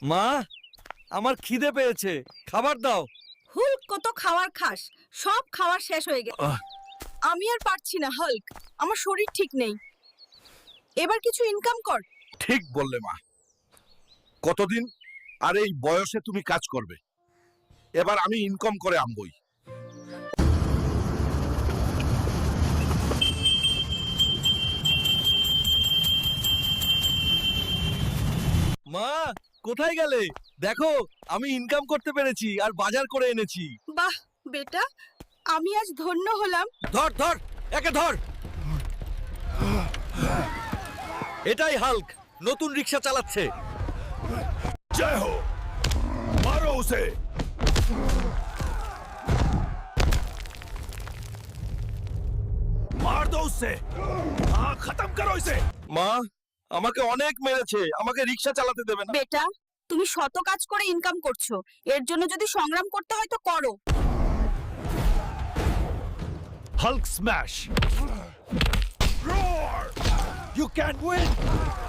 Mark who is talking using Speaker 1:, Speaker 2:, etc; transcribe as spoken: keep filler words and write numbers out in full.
Speaker 1: মা, আমার খিদে পেয়েছে, খাবার দাও।
Speaker 2: হুল্ক কত খাবার খাস, সব খাবার শেষ হয়ে গেছে।
Speaker 1: আহ।
Speaker 2: আমি আর পারছি না হাল্ক, আমার শরীর ঠিক নেই। এবার কিছু ইনকাম কর।
Speaker 3: ঠিক বললে মা। কতদিন আর এই বয়সে তুমি কাজ করবে? এবার আমি ইনকাম করে আনবই।
Speaker 1: মা, কোথায় গেলে? দেখো, আমি ইনকাম করতে পেরেছি আর বাজার করে এনেছি।
Speaker 2: বাহ বেটা, আমি আজ ধন্য হলাম।
Speaker 1: ধর ধর, একে ধর। এটাই হাল্ক, নতুন রিকশা চালাচ্ছে।
Speaker 3: জয় হো, মারো উসে। मार दो उससे, हाँ खत्म करो इसे।
Speaker 1: মা, আমাকে অনেক মেরেছে, আমাকে রিকশা চালাতে দেবে না।
Speaker 2: বেটা, তুমি শত কাজ করে ইনকাম করছো, এর জন্য যদি সংগ্রাম করতে হয় তো করো।
Speaker 3: Hulk smash. Roar. You can win.